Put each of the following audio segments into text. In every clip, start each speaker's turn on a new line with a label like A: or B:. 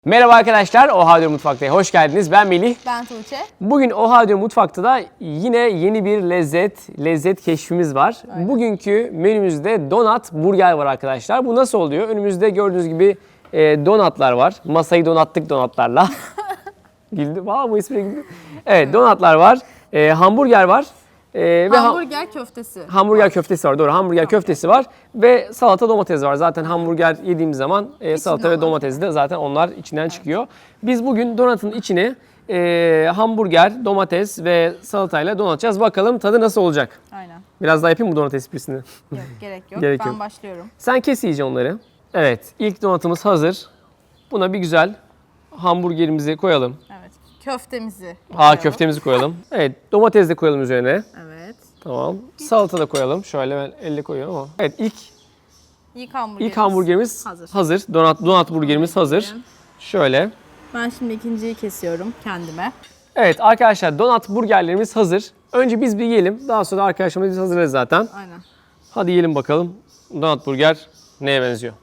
A: Merhaba arkadaşlar, Oha Diyor Mutfakta'ya hoş geldiniz. Ben Melih.
B: Ben Tuğçe.
A: Bugün Oha Diyor Mutfak'ta da yine yeni bir lezzet keşfimiz var.
B: Aynen.
A: Bugünkü menümüzde donat burger var arkadaşlar. Bu nasıl oluyor? Önümüzde gördüğünüz gibi donatlar var. Masayı donattık donatlarla. Güldüm. Bu ismine güldüm. Evet, donatlar var. Hamburger var.
B: Hamburger köftesi.
A: Hamburger köftesi var, doğru. Hamburger köftesi var ve salata domates var. Zaten hamburger yediğimiz zaman salata ve
B: olan.
A: domates de zaten onlar içinden çıkıyor. Biz bugün donatın içine hamburger, domates ve salatayla donatacağız. Bakalım tadı nasıl olacak?
B: Aynen.
A: Biraz daha yapayım mı donat esprisini?
B: Yok, gerek yok.
A: Gerek
B: Ben
A: yok.
B: başlıyorum.
A: Sen kes iyice onları. Evet, ilk donatımız hazır. Buna bir güzel hamburgerimizi koyalım.
B: Evet. Köftemizi koyalım.
A: Köftemizi koyalım. Evet, domates de koyalım üzerine.
B: Evet.
A: Tamam. Salata da koyalım. Şöyle ben elle koyuyorum ama. Evet, İlk hamburgerimiz hazır. Donat burgerimiz hazır. Şöyle.
B: Ben şimdi ikinciyi kesiyorum kendime.
A: Evet arkadaşlar, donat burgerlerimiz hazır. Önce biz bir yiyelim. Daha sonra arkadaşlarımız biz hazırlarız zaten.
B: Aynen.
A: Hadi yiyelim bakalım. Donat burger neye benziyor?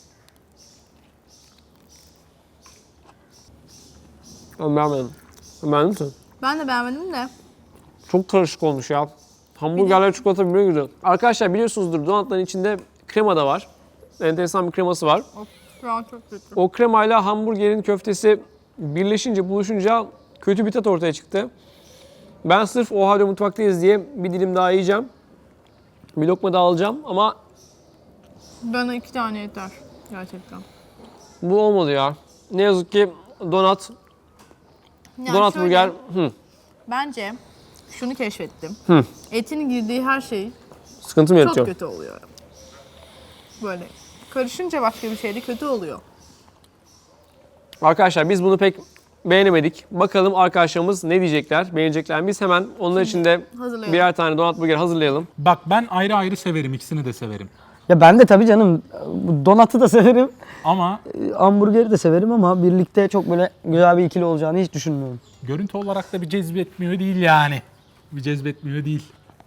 A: Ben beğenmedim. Beğendin misin?
B: Ben de beğenmedim de.
A: Çok karışık olmuş ya. Hamburgerler çikolata birbirine güzel. Arkadaşlar biliyorsunuzdur, donatların içinde krema da var. Enteresan bir kreması var.
B: Of, şu an çok kötü.
A: O kremayla hamburgerin köftesi birleşince, buluşunca kötü bir tat ortaya çıktı. Ben sırf Oha Diyor Mutfaktayız diye bir dilim daha yiyeceğim. Bir lokma daha alacağım ama
B: Bana 2 tane yeter. Gerçekten.
A: bu olmadı ya. Ne yazık ki donat
B: Yani
A: donat
B: şöyle,
A: burger
B: Bence şunu keşfettim. Etin girdiği her şey
A: sıkıntı mı
B: çok
A: yaratıyor?
B: kötü oluyor. Böyle karışınca başka bir şey de kötü oluyor.
A: Arkadaşlar biz bunu pek beğenemedik. Bakalım arkadaşlarımız ne diyecekler, beğenecekler mi? Biz hemen onlar için de
B: hazırlayalım.
A: birer tane donat burger hazırlayalım.
C: Bak ben ayrı ayrı severim, ikisini de severim.
D: Ya ben de tabii canım bu donatı da severim,
C: Ama
D: hamburgeri de severim ama birlikte çok böyle güzel bir ikili olacağını hiç düşünmüyorum.
C: görüntü olarak da bir cezbetmiyor değil yani. Bir cezbetmiyor değil.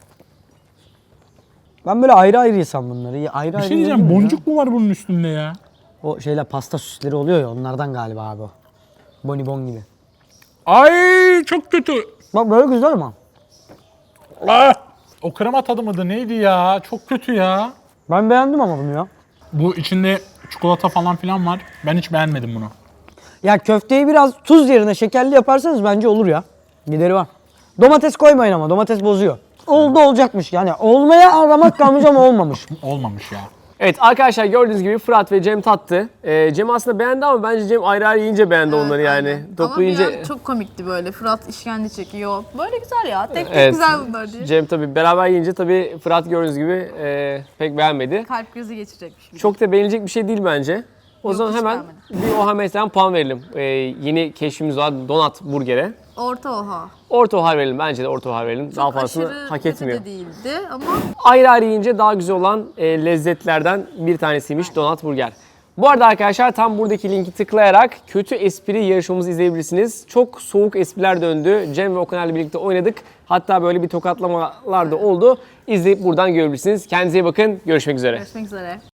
D: Ben böyle ayrı ayrı yesem bunları. Ayrı
C: Bir
D: ayrı
C: şey diyeceğim,
D: yemiyorum ya.
C: boncuk mu var bunun üstünde ya?
D: O şeyler pasta süsleri oluyor ya, onlardan galiba abi o. Bonibon gibi.
C: Ay çok kötü.
D: Bak böyle güzel ama.
C: Ah! O krema tadı mıydı neydi ya? Çok kötü ya.
D: Ben beğendim ama bunu ya.
C: Bu içinde çikolata falan filan var. Ben hiç beğenmedim bunu.
D: Ya köfteyi biraz tuz yerine şekerli yaparsanız bence olur ya. Gideri var. Domates koymayın ama domates bozuyor. Oldu olacakmış yani. Olmaya aramak kalmış ama olmamış.
C: Olmamış ya.
A: Evet arkadaşlar, gördüğünüz gibi Fırat ve Cem tattı. Cem aslında beğendi ama bence Cem ayrı ayrı yiyince beğendi onları yani.
B: Aynen.
A: Toplu
B: Ama
A: yiyince...
B: bir an çok komikti böyle. Fırat işkence çekiyor. Böyle güzel ya. Tek tek
A: Evet.
B: güzel bunlar diye.
A: Cem tabii beraber yiyince tabii Fırat gördüğünüz gibi pek beğenmedi.
B: Kalp krizi geçirecekmiş gibi.
A: Çok da beğenilecek bir şey değil bence. O
B: Yok,
A: zaman
B: hiç
A: hemen
B: beğenmedim.
A: bir Oha Mesleğen puan verelim. Yeni keşfimiz var, donat burgere.
B: Orta oha.
A: Orta oha verelim, bence de orta oha verelim. Daha
B: Çok
A: fazlasını
B: aşırı
A: hak
B: kötü
A: etmiyor.
B: de değildi ama
A: Ayrı ayrı yiyince daha güzel olan lezzetlerden bir tanesiymiş donat burger. Bu arada arkadaşlar, tam buradaki linki tıklayarak kötü espri yarışmamızı izleyebilirsiniz. Çok soğuk espriler döndü. Cem ve Okan'la birlikte oynadık. Hatta böyle bir tokatlamalar da oldu. İzleyip buradan görebilirsiniz. Kendinize iyi bakın. Görüşmek üzere.
B: görüşmek üzere.